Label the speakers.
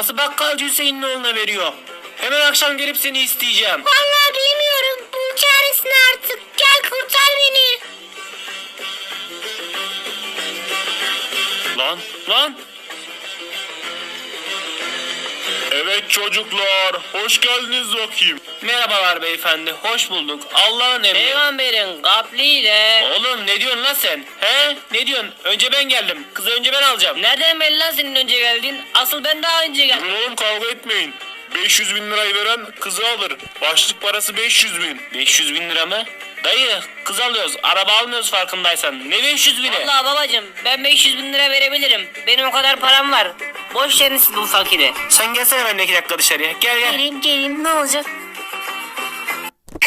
Speaker 1: Nasıl bakkalcı Hüseyin'in oğluna veriyor? Hemen akşam gelip seni isteyeceğim.
Speaker 2: Vallahi bilmiyorum. Bul çaresini artık. Gel kurtar beni.
Speaker 1: Lan.
Speaker 3: Evet çocuklar, hoş geldiniz bakayım.
Speaker 1: Merhabalar beyefendi, hoş bulduk. Allah'ın emri.
Speaker 4: Peygamberin kapliyle.
Speaker 1: Oğlum ne diyorsun lan sen? He? Ne diyorsun? Önce ben geldim. Kızı önce ben alacağım.
Speaker 4: Nereden belli lan senin önce geldin? Asıl ben daha önce geldim.
Speaker 3: Durun oğlum, kavga etmeyin. 500 bin lirayı veren kızı alır. Başlık parası 500 bin.
Speaker 1: 500 bin lira mı? Dayı kız alıyoruz. Araba almıyoruz farkındaysan. Ne 500 bini?
Speaker 4: Vallahi babacım ben 500 bin lira verebilirim. Benim o kadar param var. Boş verin siz bu fakiri.
Speaker 1: Sen gelsene benimle 2 dakika dışarıya. Gel.
Speaker 2: Gelin ne olacak?